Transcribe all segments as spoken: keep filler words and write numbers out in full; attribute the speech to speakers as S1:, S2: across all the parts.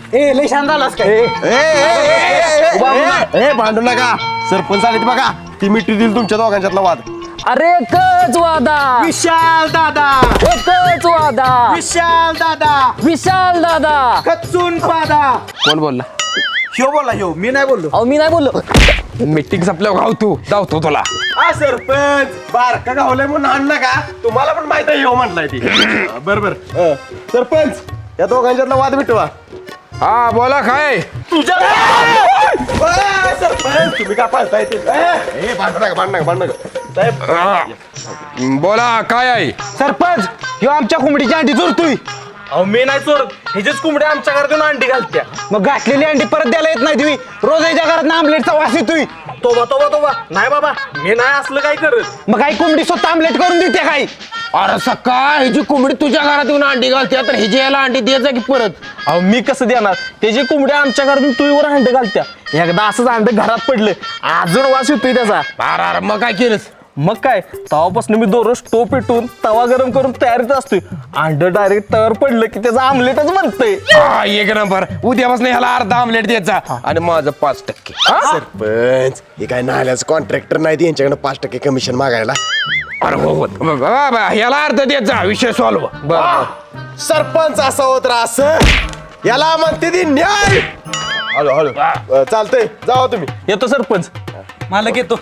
S1: ए लय शांत झालास काय?
S2: ए भांडू नका, सरपंच आले बघा, ती मिठी दिली तुमच्या दोघांच्यातला वाद.
S3: अरे एकच वादा,
S1: विशाल दादा,
S3: एकच वादा,
S1: विशाल दादा,
S3: विशाल दादा.
S1: कच्चून पादा.
S3: कोण बोलला?
S1: ह्यो बोला ह्यो, मी नाही बोललो.
S3: अहो मी नाही बोललो.
S4: मीटिंग संपल्यावर गाव तू धावतो तुला.
S2: हा सरपंच, बारका गावलाय म्हणून आण नका, तुम्हाला पण माहित आहे ह्यो म्हटलाय ती. बरोबर. सरपंच, या दोघांच्यातला वाद मिटवा.
S4: हा बोला काय?
S2: तुझ्या सरपंच, तुम्ही का पाळताय ते? ए, भांडू नका, भांडू नका, भांडू नका. साहेब,
S4: हा. बोला काय आहे?
S1: सरपंच, ह्यो आमच्या कोंबडीची अंडी चोरतोय. अहो मी नाही चोरत, ह्याचीच कोंबड्या आमच्या घरात येऊन अंडी घालत्या. मग घातलेली अंडी परत द्यायला येत नाही तुम्ही. रोज ह्याच्या घरात आमलेटचा वास येतोय. तोबा तोबा तोबा, नाही बाबा, मी नाही असलं काय करत. मग काही कोंबडी स्वतः आमलेट करून देते काय?
S4: अरे सकाळ ह्याची कोंबडी तुझ्या घरात येऊन अंडी घालते, तर ह्याची याला अंडी द्यायचा की परत?
S1: अहो मी कसं देणार? त्याची कोंबड्या आमच्या घरातून तुळीवर अंडे घालत्या. एकदा असंच अंड घरात पडलं, अजून वास येतोय त्याचा.
S4: अरे अरे मग काय केलंस?
S1: मग काय, तवापासून मी दररोज टो पेटून तवा गरम करून तयारीत असतोय. अंड डायरेक्ट तयार पडलं की त्याचं आमलेटच बनतंय.
S4: हा एक नंबर. उद्यापासून ह्याला अर्धा आमलेट द्यायचा आणि माझं पाच टक्के.
S2: सरपंच, हे काय नाल्याचं कॉन्ट्रॅक्टर नाही, यांच्याकडे पाच टक्के कमिशन मागायला.
S4: अरे हो हो. ब- ब- ब- ह्याला अर्ध द्यायचा, विषय सॉल्व.
S2: सरपंच असा होत रास, याला म्हणते ती न्याय. हळू हळू. अ, चालतंय, जावा तुम्ही.
S1: येतो सरपंच. मालक येतो.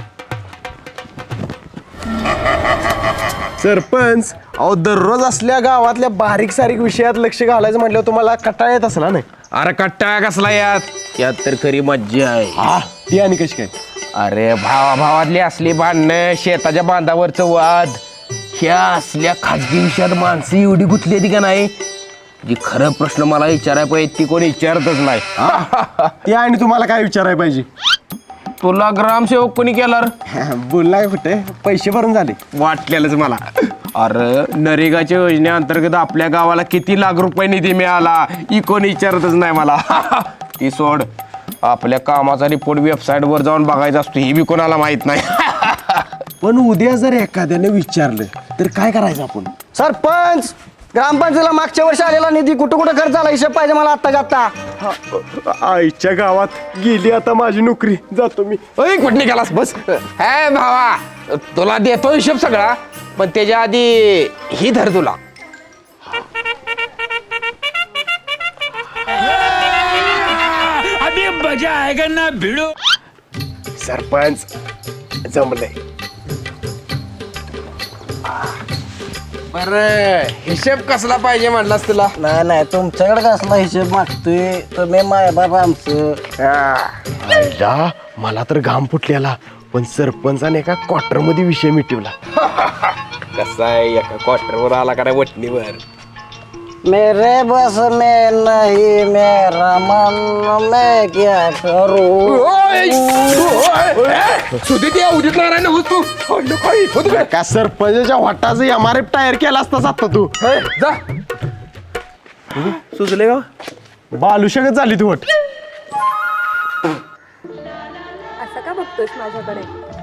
S2: सरपंच, अहो दररोज असल्या गावातल्या बारीक सारीक विषयात लक्ष घालायचं म्हटल्यावर तुम्हाला कटाळा येत असला नाही?
S4: अरे कट्टा कसला यात यात तर खरी मज्जा आहे.
S2: हा, ती आणि कशी काय?
S4: अरे भावा भावातली असली भांडणं, शेताच्या बांधावरचं वाद, ह्या असल्या खाजगी विषयात माणसं एवढी गुंतली होती का नाही, जी खरं प्रश्न मला विचारायला पाहिजे ती कोणी विचारतच नाही.
S2: ती आणि तुम्हाला काय विचारायला पाहिजे?
S4: तुला ग्रामसेवक कोणी केला रे?
S2: बोलला का कुठे? पैसे भरून झाले
S4: वाटलेलंच मला. अरे नरेगाच्या योजनेअंतर्गत आपल्या गावाला किती लाख रुपये निधी मिळाला ही कोणी विचारतच नाही मला. ती सोड, आपल्या कामाचा रिपोर्ट वेबसाईट वर जाऊन बघायचा असतो हे बी कोणाला माहित नाही.
S2: पण उद्या जर एखाद्याने विचारलं तर काय करायचं आपण?
S5: सरपंच, ग्रामपंचायतीला मागच्या वर्षी आलेला निधी कुठं कुठं खर्च झाला हिशोब पाहिजे मला आत्ता आत्ता.
S2: आईच्या गावात गेली आता माझी नोकरी, जातो मी.
S4: ओय कुठे निघालास बस. हे भावा तुला देतो हिशोब सगळा, पण त्याच्या आधी ही धर तुला.
S2: सरपंच, जमलंय.
S4: बरं हिशोब कसला पाहिजे म्हणलास तुला?
S5: नाही नाही, तुमच्याकडे कसला हिशोब मागतोय तुम्ही माय बाबा आमचं.
S2: आईला मला तर घाम फुटलेला, पण सरपंचाने एका क्वार्टर मध्ये विषय मिटवला.
S4: कसा आहे एका क्वार्टरवर आला का वटणीवर?
S5: मेरे बस में नहीं मेरा मन मैं क्या करूं.
S4: उदित नारायण होतो
S2: का सरपंचाच्या वाटाचं एम आर एफ टायर केला असताच आता तू.
S4: जा.
S2: सुचले का? बालुशकच झाली तू वट.
S6: असं का बघतोस माझ्याकडे?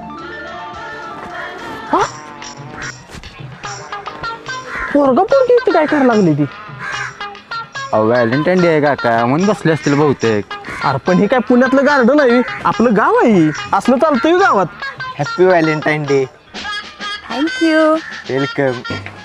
S3: पोरगा पोरगी काय करायला लागली ती?
S1: अहो व्हॅलेंटाईन डे आहे काका, म्हणून बसले असतील बहुतेक. अरे पण हे काय पुण्यातलं गार्डन आहे? आपलं गाव आहे, असलं चालतंय गावात.
S5: Happy valentine day.
S6: Thank you.
S5: Welcome.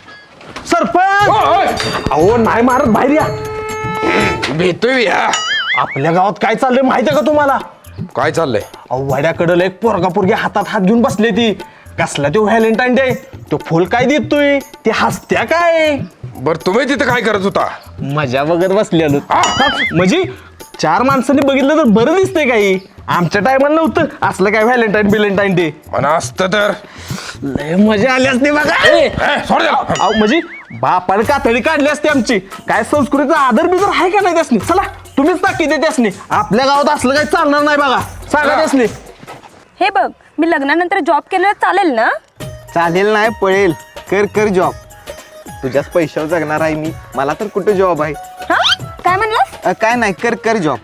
S1: Sarpanch, अहो नाही मारत, बाहेर या.
S4: भेटतोय या.
S1: आपल्या गावात काय चाललंय माहिती आहे का तुम्हाला?
S4: काय चाललंय?
S1: अहो वाड्याकडं एक पोरगा पोरगी हातात हात घेऊन बसले ती. कसला तो व्हॅलेंटाईन डे? तो फुल काय देतोय, ते हसत्या काय?
S4: बर तुम्ही तिथं काय करत होता?
S1: मजा बघत बसलेलो. म्हणजे चार माणसांनी बघितलं तर बरं दिसतंय काही. आमच्या टायमाला नव्हतं असलं काय व्हॅलेंटाईन बिलेंटाईन डे.
S4: म्हणा असतं तर
S1: लय मजा आली असते बघा.
S4: ए, सोड द्या.
S1: अहो म्हणजे बापाने कातडी काढली असते आमची. काय संस्कृतीचा आदर बिदर आहे का नाही त्यासनी? चला तुम्हीच टाकी दे त्यासनी. आपल्या गावात असलं काही चालणार नाही बघा, सांगा त्यासनी.
S6: हे बघ, मी लग्नानंतर जॉब केलेला चालेल ना?
S5: चालेल नाही, पळेल. कर कर जॉब. तुझ्याच पैशावर जगणार आहे मी, मला तर कुठं जॉब आहे?
S6: हा, काय म्हणलास?
S5: अ, काय नाही, कर कर जॉब.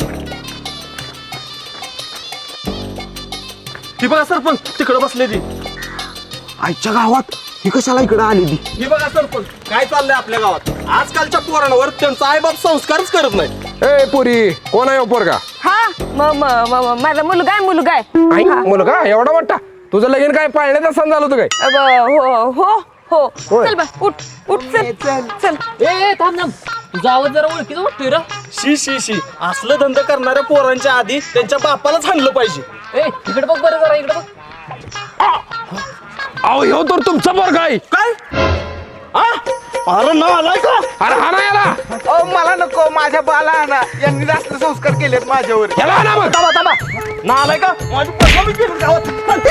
S1: ती बघा सरपंच, तिकडे बसले ती.
S2: आईच्या गावात ही कशाला इकडे आली ती?
S1: ही बघा सरपंच, काय चाललंय आपल्या गावात. आजकालच्या पोरांवर त्यांचा आईबाप संस्कारच करत नाही.
S4: ए पुरी कोण आहे पोरगा
S6: हा म- म- म- म- माझा मुलगा आहे मुलगा आहे
S4: आई मुलगा एवढा मोठा तुझं लगीन काय पाळण्यात असताना झालं होतं काय
S6: अब, हो हो हो चल बा उठ उठ चल चल
S3: ए थांब थांब तुझा आवाज जरा ओळखीचा वाटतोय रे.
S1: शी शी शी असलं धंदा करणाऱ्या पोरांच्या आधी त्यांच्या बापालाच हाणलं पाहिजे.
S3: ए इकडे बघ बरं जरा इकडे बघ.
S4: अहो ह्यो तर तुमचा पोरगा आहे
S1: काय आ? अरे ना आलाय का
S4: अरे हा ना याला
S5: मला नको माझ्या बाला आणा यांनी जास्त संस्कार केलेत माझ्यावर
S4: याला हा ना मग
S1: थांबा थांबा ना आलाय का माझी पोरगा मी केलं गावात.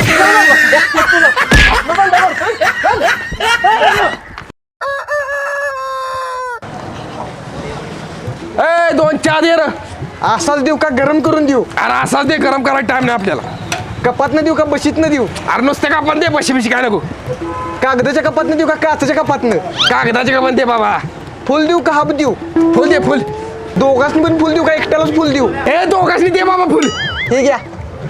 S4: ए दोन चहा दे रे
S5: असाच देऊ का गरम करून देऊ
S4: अरे असाच दे गरम करायला टाइम नाही आपल्याला
S5: कपात न देऊ का बशीत न देऊ
S4: अरे नुसते का पण दे बशी बिशी काय नको
S5: कागदाच्या कपात न देऊ का काचच्या कपात न
S4: कागदाचे का पण दे बाबा
S5: फुल देऊ का हाफ देऊ
S4: फुल दे फुल
S5: दोघांनी पण फुल देऊ का एकट्यालाच फुल देऊ
S4: ए दोघांनी दे बाबा फुल
S5: हे घ्या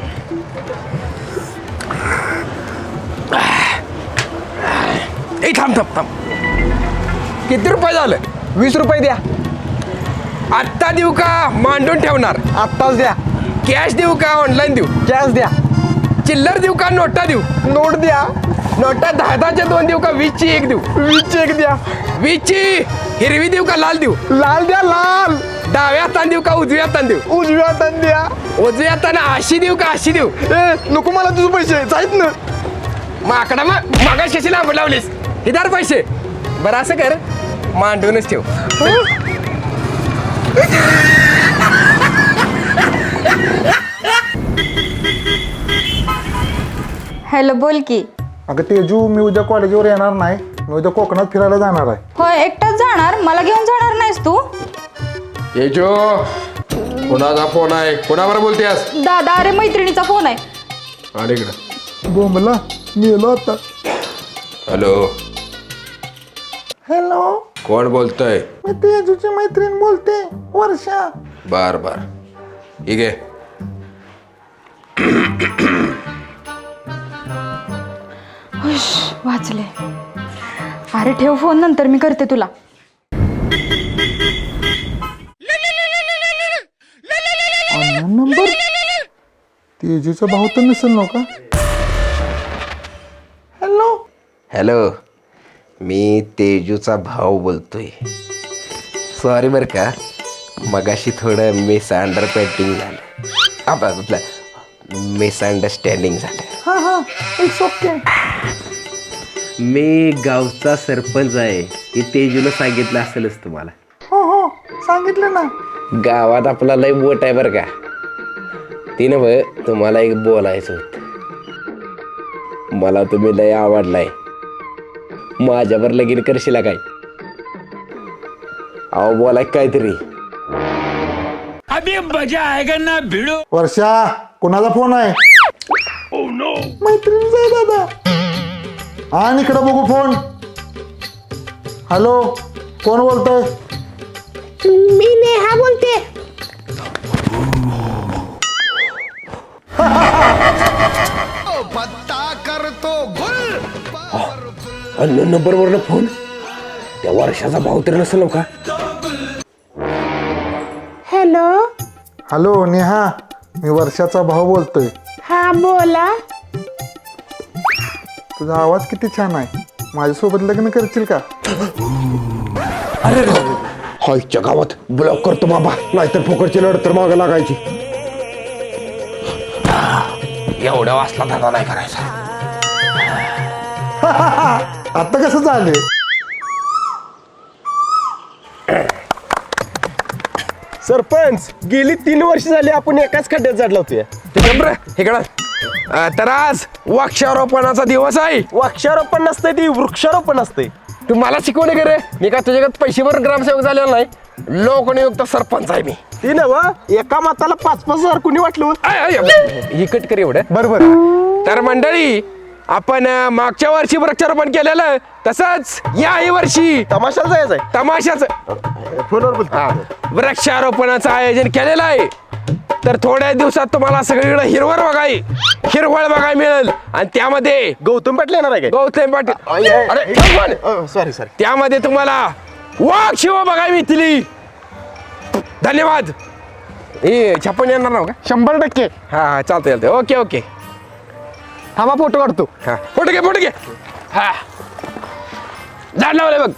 S4: ए थांब थांब थांब किती रुपये झालं
S5: वीस रुपये द्या
S4: आत्ता देऊ का मांडून ठेवणार
S5: आत्ताच द्या
S4: कॅश देऊ का ऑनलाईन देऊ
S5: कॅश द्या
S4: चिल्लर देऊ का नोटा देऊ
S5: नोट द्या
S4: नोटा दहा दहाच्या दोन देऊ का वीसची एक देऊ
S5: वीस एक द्या
S4: वीसची हिरवी देऊ का लाल देऊ
S5: लाल द्या लाल
S4: डाव्या हाताने देऊ का उजव्या हाताने देऊ
S5: उजव्या हाताने द्या
S4: उजव्या हाताने अशी देऊ का अशी देऊ
S5: ए नको मला तुझे पैसे जायत ना
S4: माकडा मग मागा कशी लांब लावलीस हिदार पैसे बरं असं कर मांडूनच ठेव
S7: हॅलो बोल की.
S8: अगं तेजू मी उद्या कॉलेजवर येणार नाही मी उद्या कोकणात फिरायला जाणार आहे.
S7: होय एकटाच जाणार मला घेऊन जाणार नाहीस तू.
S4: ये जो कोणाचा फोन आहे कोणावर बोलतेस
S7: दादा अरे मैत्रिणीचा फोन आहे.
S4: अरे इकडं
S8: बोंबला मेलो आता.
S4: हॅलो
S8: हॅलो
S4: कोण बोलतोय
S8: मी तेजूची मैत्रीण बोलते वर्षा.
S4: बर बर ठीक आहे
S7: हुश वाचले. अरे ठेव फोन नंतर मी करते तुला.
S8: नंबर तेजूचा भाऊ तर नसेल ना का. हॅलो
S4: हॅलो मी तेजूचा भाऊ बोलतोय सॉरी बरं का मगाशी थोडं मिसअंडरस्टँडिंग झालं आपलं मिसअंडरस्टँडिंग झालं.
S8: हा हा इट्स ओके.
S9: मी गावचा सरपंच आहे हे तेजूला सांगितलं असेलच तुम्हाला.
S8: हो हो सांगितलं ना.
S4: गावात आपला लय बोट आहे बरं का तिनं बघ तुम्हाला एक बोलायचं होतं मला तुम्ही लय आवडलाय माझ्यावर लगीन करशील काय अहो बोलाय काहीतरी
S8: वर्षा कोणाचा फोन आहे. मैत्रिणीचा आहे दादा. आणि इकडं बघू फोन. हॅलो कोण बोलतोय.
S7: मी नेहा बोलते.
S4: अन्न नंबरवरनं फोन त्या वर्षाचा भाऊ तरी नसेल का.
S7: हॅलो
S8: हॅलो नेहा मी वर्षाचा भाऊ बोलतोय.
S7: हा बोला.
S8: तुझा आवाज किती छान आहे माझ्यासोबत लग्न करशील का.
S4: अरे हायच्या गावात ब्लॉक करतो बाबा नाहीतर फुकटची लढत तर मागं लागायची. एवढ्या वाचला धंदा नाही करायचा.
S8: आता कसं झाले.
S2: सरपंच गेली तीन वर्ष झाली आपण एकाच खड्ड्यात जाडला होतोय.
S4: तर आज वृक्षारोपणाचा दिवस आहे.
S2: वृक्षारोपण नसतंय ती वृक्षारोपण असतंय.
S4: तू मला शिकवणे करे मी का तुझ्याकडे पैसे भरून ग्रामसेवक झालेला नाही लोकनियुक्त सरपंच आहे मी.
S2: ती नव एका माताला पाच पाच हजार कुणी वाटलं.
S4: आय, आय, ही कट कर एवढं
S8: बरोबर.
S4: तर मंडळी आपण अं, मागच्या वर्षी वृक्षारोपण केलेलं तसंच याही वर्षी
S2: तमाशाला जायचंय.
S4: तमाशाच
S2: फोनवर बोलतो.
S4: वृक्षारोपणाचं आयोजन केलेलं आहे. तर थोड्या दिवसात तुम्हाला सगळीकडे हिरवळ बघाय हिरवळ बघायला मिळेल आणि त्यामध्ये
S2: गौतम पाटील येणार आहे काय.
S4: गौतम पाटील अरे थांब पण.
S2: सॉरी सॉरी
S4: त्यामध्ये तुम्हाला वाघ शिव बघायला मिळतील. धन्यवाद. ए छप्पन येणार ना का?
S8: शंभर टक्के.
S4: हा हा चालतंय चालतंय. Okay okay.
S8: थांबा फोटो काढतो.
S4: हा फोटो घे फोटो घे. हा झाड लावलंय बघ.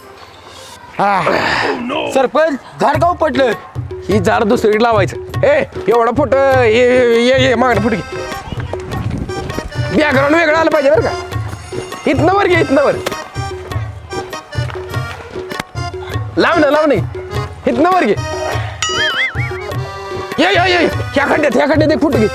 S4: हा
S1: सरपंच झाड गाव पडलं.
S4: ही झाड दुसरीकडे लावायचं. ए एवढा फोटो ये ये ये मागणं फोटो घे. बॅकग्राऊंड वेगळं आलं पाहिजे बरं का. इथनं वर घे इथनं वर. लाव ना लाव नाही इथनं वर घे. ये ये ये ह्या खड्ड्यात ह्या खड्ड्यात एक फोटो घे.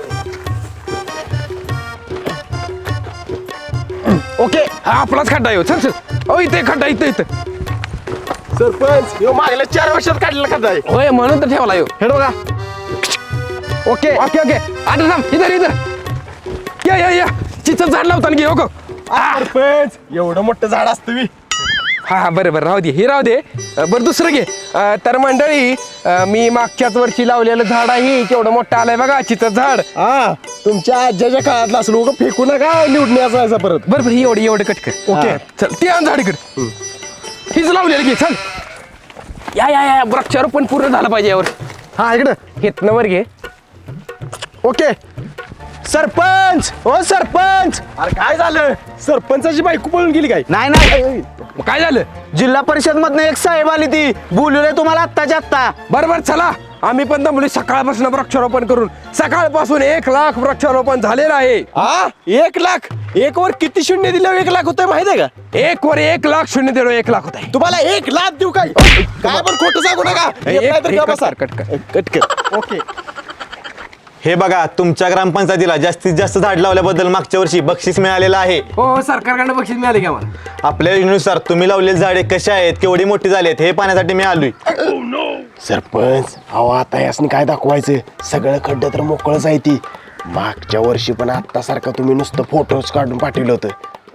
S4: ओके हा आपलाच खड्डा येऊ. चल चल. ओ इथे खड्डा इथं इथं.
S2: सरपंच ह्यो मागल्या चार वर्षात काढलेला खड्डा आहे.
S4: होय म्हणून तर ठेवला येऊ.
S1: हे बघा.
S4: ओके ओके ओके आता थांब इधर इधर. या या या चिचं झाड लावताना घे. ओके
S2: सरपंच एवढं मोठं झाड असतं मी.
S4: हा हा बरं बरं राहू दे हे राहू दे. अ, बरं दुसरं घे. अ, तर मंडळी अ, मी मागच्याच वर्षी लावलेलं झाड आहे केवढं मोठं आलंय बघा चिचं झाड.
S2: हा तुमच्या आज्याच्या काळातला असलो उगा फेकू नका निवडून यायचा परत.
S4: बरं बरं ही एवढं एवढं कट कर. ओके चल ते आण झाड इकडे. हीच लावलेलं घे चल. या या या वृक्षारोपण पूर्ण झालं पाहिजे यावर.
S2: हा इकडं.
S4: घेतनं वर घे.
S2: ओके. सरपंच ओ सरपंच. अरे काय झालं सरपंचाची बायको पळून गेली काय?
S1: नाही नाही
S4: मग काय झालं?
S1: जिल्हा परिषद मधनं एक साहेब आली ती बोलवलंय तुम्हाला आत्ताच्या आत्ता.
S4: बरं बरं चला आम्ही पण दमली सकाळपासून वृक्षारोपण करून. सकाळपासून एक लाख वृक्षारोपण झालेलं आहे.
S2: हा एक लाख. एक वर किती शून्य दिलं एक लाख होतंय माहिती आहे का?
S4: एक वर एक लाख शून्य देणं एक लाख होत आहे.
S2: तुम्हाला एक लाख देऊ काय? काय पण खोटं सांगू नका.
S4: एक-
S2: येत नाही तर
S4: एक
S2: का
S4: कट
S2: बसा.
S4: कर, कट कर.
S2: कट कर. ओके.
S1: हे बघा तुमच्या ग्रामपंचायतीला जास्तीत जास्त झाड लावल्याबद्दल मागच्या वर्षी बक्षीस मिळालेलं आहे.
S4: हो हो सरकारकडनं बक्षीस मिळाले का मला?
S1: आपल्या योजनेनुसार तुम्ही लावलेली झाडे कशी आहेत केवढी मोठी झाली आहेत हे पाहण्यासाठी मी आलोय.
S2: सरपंच अहो आता यासनी काय दाखवायचं सगळं खड्डं तर मोकळच आहे ती. मागच्या वर्षी पण आता सारखं तुम्ही नुसतं फोटोज काढून पाठवलं होतं.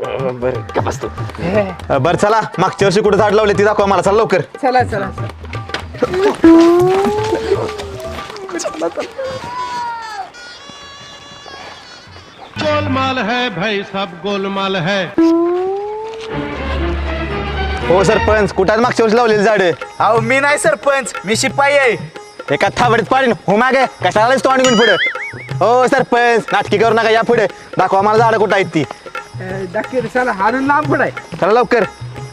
S1: अ, बरं चला मागच्या वर्षी कुठे झाड लावले ती दाखवा मला. चला लवकर.
S4: चला चला
S10: गोलमाल है भाई सब गोलमाल है.
S1: हो सरपंच कुठं आहेत मागच्या वर्षी लावलेली झाडं? अहो मी नाही सरपंच मी शिपाई आहे. एका थाबडीत पाडीन हो मागे कशाला तोंड घेऊन पुढे. हो सरपंच नाटकी करू नका या पुढे दाखवा मला झाडं कुठं आहेत ती.
S4: चला हाणून लांब पडाय.
S1: चला लवकर.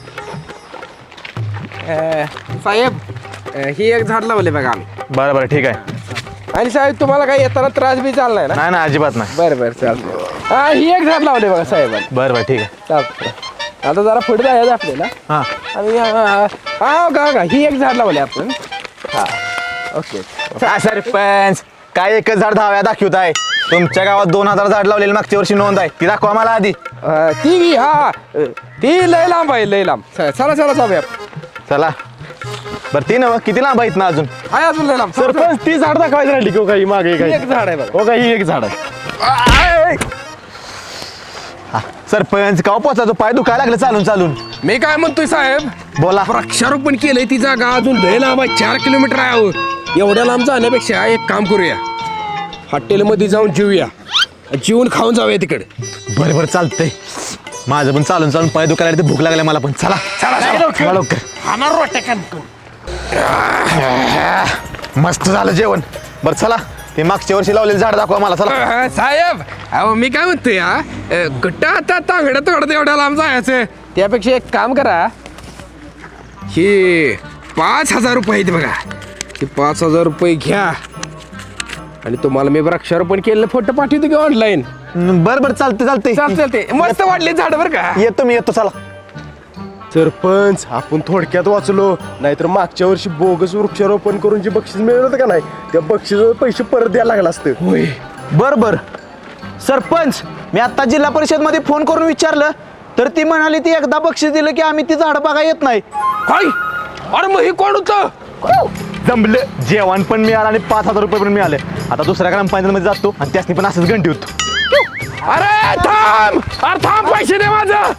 S4: साहेब ही एक झाड लावले बघा आम्ही.
S1: बरं बरं ठीक आहे.
S4: आणि साहेब तुम्हाला काही येताना त्रास बी चाललाय ना?
S1: नाही ना अजिबात नाही.
S4: बरं बरं चालतंय. हा ही एक झाड लावले बघा साहेबांनी.
S1: बरं बरं ठीक आहे.
S4: चालतंय आता जरा पुढे जायचं आपल्याला.
S1: हां
S4: आणि हा का का ही एक झाड लावले आपण. हा ओके.
S1: हा, सरपंच काय एकच झाड दहाव्या दाखवत आहे. तुमच्या गावात दोन हजार झाड लावलेली मागच्या वर्षी नोंद आहे ती दाखवा मला आधी.
S4: अं, ती हा ती लय लांब आहे लय लांब. चला चला जाऊया.
S1: चला बरं ती नव किती लांब आहेत ना अजून.
S4: आहे अजून लय लांब.
S2: सरपंच ती झाड दाखवायचं राहिली की काही मागे
S4: ही
S2: काही
S4: एक झाड आहे बघा.
S2: हो काही एक झाड आहे.
S1: हा, सरपंच काव पोचायचो पाय दुखायला लागलं चालून चालून.
S4: मी काय म्हणतोय साहेब
S1: बोला.
S4: वृक्षारोपण केलंय ती जागा अजून लय लांब आहे. चार किलोमीटर आहे अहो. एवढ्या लांब जाण्यापेक्षा एक काम करूया हॉटेलमध्ये जाऊन जेऊया. जेवून खाऊन जाऊया तिकडे.
S1: बरं बरं चालतंय. माझं पण चालून चालून पाय दुखायला लागले, भूक लागल्या मला पण. चला
S4: चला चला.
S1: चला लवकर. मस्त झालं जेवण. बरं चला ते मागच्या वर्षी लावलेलं झाड दाखवा मला. चला
S4: अं, साहेब अहो मी काय म्हणतोय हा कुठं आता तांगड्या तोडत एवढ्या लांब जायचं. त्यापेक्षा एक काम करा हे पाच हजार रुपये आहेत बघा. हे पाच हजार रुपये घ्या आणि तुम्हाला मी वृक्षारोपण केलेलं फोटो पाठवतो की ऑनलाईन.
S1: बरं बरं चालते चालते
S4: चालते चालते. मस्त वाढले झाड बरं का.
S1: येतो मी येतो. चला
S2: सरपंच आपण थोडक्यात वाचलो नाहीतर मागच्या वर्षी बोगस वृक्षारोपण करून जे बक्षीस मिळलं होतं का नाही त्या बक्षिसाचे पैसे परत द्यायला लागला असतं.
S4: होय
S1: बरं बरं सरपंच मी आता जिल्हा परिषद मध्ये फोन करून विचारलं तर ती म्हणाली ती एकदा बक्षीस दिलं की आम्ही ती झाडं बघा येत नाही.
S4: काय अरे मग हे कोण होतं?
S1: जमलं जेवण पण मिळालं आणि पाच हजार रुपये पण मिळाले. आता दुसऱ्या ग्रामपंचायतीमध्ये जातो आणि त्यासनी पण असंच घंटी होतो.
S4: अरे थांब अरे थांब पैसे दे माझं.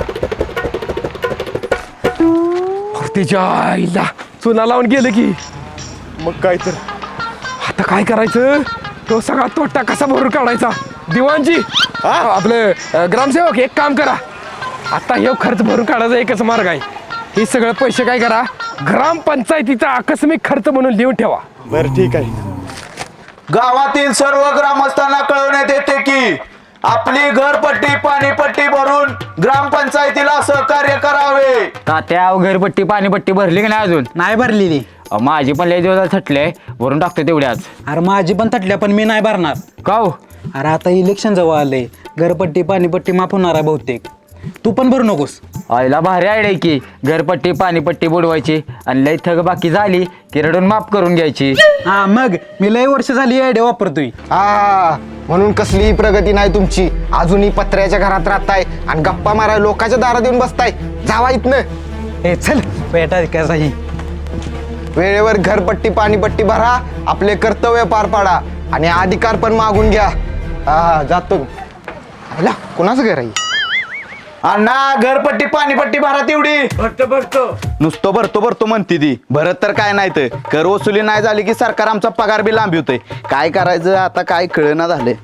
S4: तिच्या आईला चुना लावून गेलं की
S2: मग काय तर
S4: आता काय करायचं. तो सगळा तोटा कसा भरून काढायचा. दिवाणजी आपले अं, ग्रामसेवक एक काम करा आता हे खर्च भरून काढायचा एकच मार्ग आहे. हे सगळं पैसे काय करा ग्रामपंचायतीचा आकस्मिक खर्च म्हणून लिहून ठेवा.
S2: बरं ठीक आहे.
S1: गावातील सर्व ग्रामस्थांना कळवण्यात येते की आपली घरपट्टी पाणीपट्टी भरून ग्रामपंचायतीला सहकार्य करावे.
S3: तात्या घरपट्टी पाणीपट्टी भरली की नाही अजून? नाही भरलेली. माझी पण लय दिवस थटले, भरून टाकतो तेवढ्याच. अरे माझी पण थटल्या, पण मी नाही भरणार. का हो? अरे आता इलेक्शन जवळ आले, घरपट्टी पाणीपट्टी माफ होणार आहे बहुतेक. तू पण भरू नकोस. आईला भारी आयडिया की घरपट्टी पाणीपट्टी बुडवायची आणि लय थग बाकी झाली की रडून माफ करून घ्यायची. हा मग मी लय वर्ष झाली आयडिया वापरतोय.
S5: हा म्हणून कसलीही प्रगती नाही तुमची. अजूनही पत्र्याच्या घरात राहताय आणि गप्पा माराय लोकांच्या दारात येऊन बसताय. जावा इथनं.
S3: ए चल पेटा कसाही.
S5: वेळेवर घरपट्टी पाणीपट्टी भरा, आपले कर्तव्य पार पाडा आणि अधिकार पण मागून घ्या. हा जातो. आला कोणाचं घर आहे?
S1: अण्णा घरपट्टी पाणीपट्टी भरा तेवढी.
S4: भरतो भरतो
S1: नुसतं भरतो भरतो म्हणते ती, भरत तर काय नाही तर कर वसुली नाही झाली की सरकार आमचा पगार बी लांबवतंय. काय करायचं आता काय कळना झाले.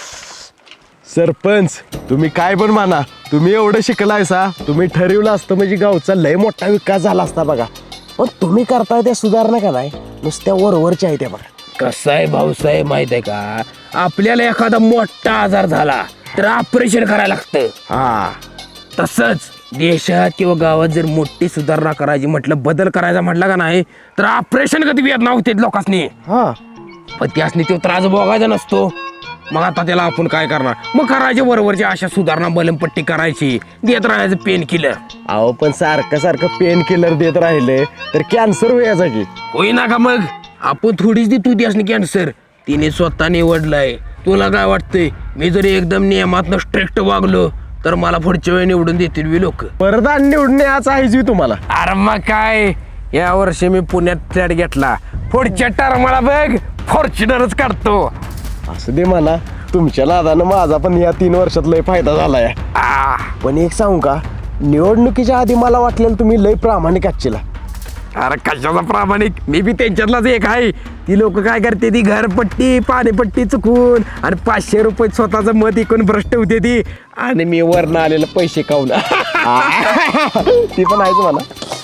S2: सरपंच तुम्ही काय पण म्हणा, तुम्ही एवढं शिकलायसा, तुम्ही ठरवलं असतं म्हणजे गावचा लय मोठा विकास झाला असता बघा. पण तुम्ही करताय त्या सुधारणा का नाही नुसत्या वरवरच्या आहे त्या बघा.
S4: कसं आहे भाऊसाहेब माहित आहे का, आपल्याला एखादा मोठा आजार झाला तर ऑपरेशन करायला लागतं.
S2: हा
S4: तसंच देशात किंवा गावात जर मोठी सुधारणा करायची म्हटलं, बदल करायचा म्हटलं का नाही तर ऑपरेशन कधी वेदना होते लोकांनी.
S2: हा
S4: पण त्यासनी तो त्रास बघायचा नसतो. मग आता त्याला आपण काय करणार, मग करायचे बरोबरची अशा सुधारणा बलमपट्टी करायची, देत राहायचं पेन किलर.
S2: अहो पण सारखं सारखं पेन किलर देत राहिले तर कॅन्सर व्हायचा की.
S4: होईना का मग, आपण थोडीच देतो त्यासनी कॅन्सर. तिने स्वतः निवडलाय. तुला काय वाटतंय, मी जरी एकदम नियमातनं स्ट्रिक्ट वागलो तर मला पुढच्या वेळी निवडून देतील वी लोक.
S2: परत आणि निवडणे आज आहे तुम्हाला.
S4: अरे मग काय, या वर्षी मी पुण्यात फ्लॅट घेतला, पुढच्या टर्मला बघ फॉर्च्युनरच काढतो.
S2: असं दे म्हणा, तुमच्या नादानं माझा पण या तीन वर्षात लय फायदा झालाय.
S4: आ,
S2: पण एक सांगू का, निवडणुकीच्या आधी मला वाटलेलं तुम्ही लय प्रामाणिक आजचीला.
S4: अरे कशाचा प्रामाणिक, मी बी त्यांच्यातलाच एक आहे. ती लोक काय करते, ती घरपट्टी पाणीपट्टी चुकून आणि पाचशे रुपये स्वतःचं मत इकून भ्रष्ट होते ती, आणि मी वरनं आलेलं पैसे खाऊन.
S2: ती पण आहेच म्हणा.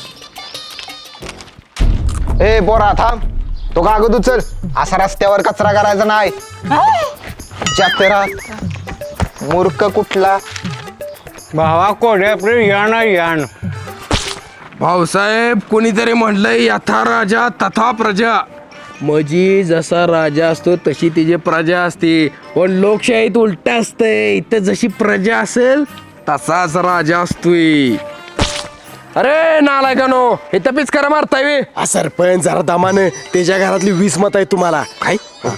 S5: ए पोरा थांब, तो कागद उचल. असा रस्त्यावर कचरा करायचा नाही. जास्त राहत मूर्ख कुठला.
S3: भावा कोड्यापुढे या ना यान.
S4: भाऊसाहेब कोणीतरी म्हणलंय, यथा राजा तथा प्रजा. म्हणजे जसा राजा असतो तशी तिची प्रजा असते. पण लोकशाहीत उलट असतंय, इथं जशी प्रजा असेल तसाच राजा असतोय. अरे नालायकानो, हे तपीच करा मारताय वे.
S2: हा सरपंच जरा दमानं, त्याच्या घरातली वीस मत आहे तुम्हाला.
S4: काय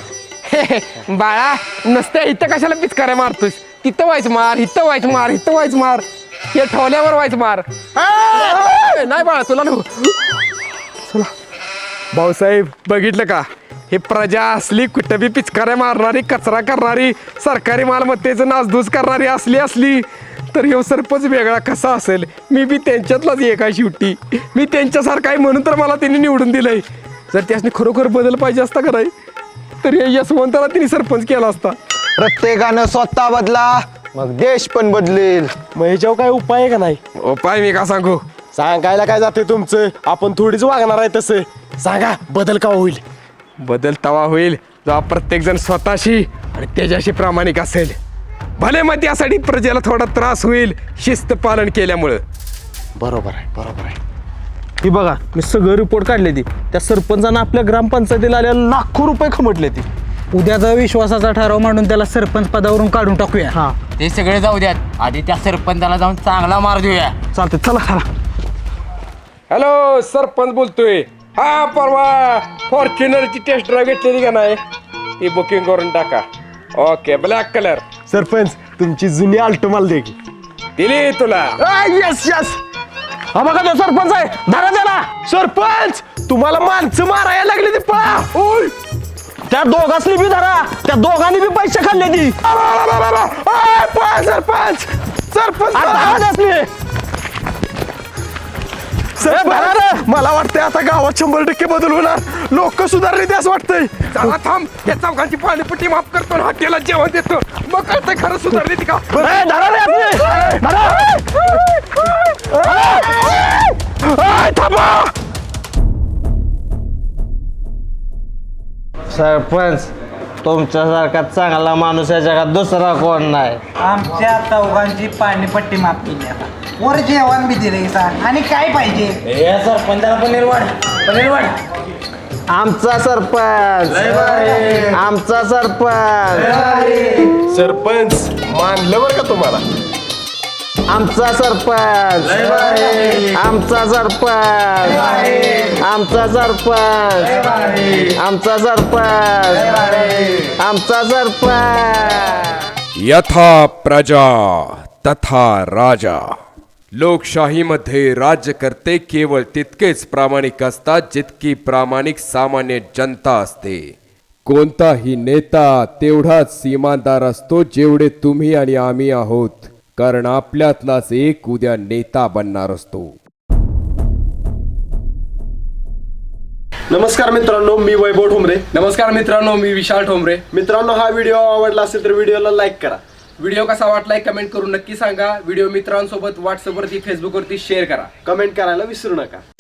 S4: बाळा, नसतं इथं कशाला पिचकाऱ्या मारतोस? तिथं व्हायच मार, इथं व्हायच मार, इथं व्हायच मार, हे ठेवल्यावर व्हायच मार. नाही बाळा तुला चला. भाऊसाहेब बघितलं का, हे प्रजा असली कुठं बी पिचकाऱ्या मारणारी, कचरा करणारी, सरकारी मालमत्तेचं नासधूस करणारी असली असली तर ह्यो सरपंच वेगळा कसा असेल. मी बी त्यांच्यातलाच एक आहे शेवटी. मी त्यांच्यासारखा आहे म्हणून तर मला त्यांनी निवडून दिलंय. जर त्यासनी खरोखर बदल पाहिजे असता का नाही तर या यशवंताला तिने सरपंच केला असता.
S5: प्रत्येकानं स्वतः बदला, मग देश पण बदलेल.
S2: मग ह्याच्यावर काय उपाय आहे का नाही?
S4: उपाय मी का सांगू,
S2: सांगायला काय जाते तुमचं, आपण थोडीच वागणार आहे तसं. सांगा बदल का होईल?
S4: बदल तवा होईल जेव्हा प्रत्येक जण स्वतःशी आणि त्याच्याशी प्रामाणिक असेल. भले मग त्यासाठी प्रजेला थोडा त्रास होईल शिस्त पालन केल्यामुळं.
S2: बरोबर आहे, बरोबर आहे.
S3: ही बघा मी सगळं रिपोर्ट काढले ती. त्या सरपंचानं आपल्या ग्रामपंचायतीला आलेला लाखो रुपये खमटले ती. उद्याचा विश्वासाचा ठराव मांडून त्याला सरपंच पदावरून काढून टाकूया. हा
S9: ते सगळे जाऊ द्यात, आधी त्या सरपंचाला जाऊन चांगला मार देऊया.
S3: चालते, चला चला.
S4: हॅलो सरपंच बोलतोय. हा परवा फॉर्च्युनरची टेस्ट ड्राईव्ह घेतलेली का नाही, ती बुकिंग करून टाका. Okay, black colour.
S2: सरपंच तुमची जुनी आल्टो मला दे की.
S4: दिली तुला.
S2: Yes yes. हा बघा तो सरपंच आहे, धरा त्याला. सरपंच तुम्हाला माणसं मारायला लागली ती, पळा. ओय,
S3: त्या दोघांनी बी धरा, त्या दोघांनी बी पैसे खाल्ले ती.
S2: पळा सरपंच. सरपंच सरपंच मला वाटतंय आता गावात शंभर टक्के बदल होणार. लोक सुधारले ते असं वाटतंय.
S4: चला थांब, या चौघांची पाणीपट्टी माफ करतो आणि हॉटेलला जेवण देतो, मग कळतंय खरं सुधारली ती का.
S2: ए, धरा रे आपली. धरा. ए, थांबा.
S1: सरपंच तुमच्यासारखा चांगला माणूस या जगात दुसरा कोण नाही.
S3: आमच्या चौघांची पाणीपट्टी माफ केली आता वर जेवण बी दिले आणि काय पाहिजे सरपंचाला पनीर वाढ पनीर वाढ.
S1: आमचा सरपंच आमचा सरपंच
S2: सरपंच मानलं बरं का तुम्हाला.
S1: आमचा सरपंच आमचा सरपंच आमचा सरपंच आमचा सरपंच आमचा सरपंच.
S11: यथा प्रजा तथा राजा. लोकशाहीमध्ये राज्यकर्ते केवळ तितकेच प्रामाणिक असतात जितकी प्रामाणिक सामान्य जनता असते. कोणताही नेता तेवढाच इमानदार असतो जेवढे तुम्ही आणि आम्ही आहोत, कारण आपल्यातलाच एक उद्या नेता बनणार असतो.
S2: नमस्कार मित्रांनो, मी वैभव ठोंबरे.
S4: नमस्कार मित्रांनो, मी विशाल ठोंबरे.
S2: मित्रांनो, हा व्हिडिओ आवडला असेल तर व्हिडिओला लाईक करा.
S4: व्हिडिओ कसा वाटलाय कमेंट करून नक्की सांगा. व्हिडिओ मित्रांसोबत व्हॉट्सअपवरती फेसबुकवरती शेअर करा.
S2: कमेंट करायला विसरू नका.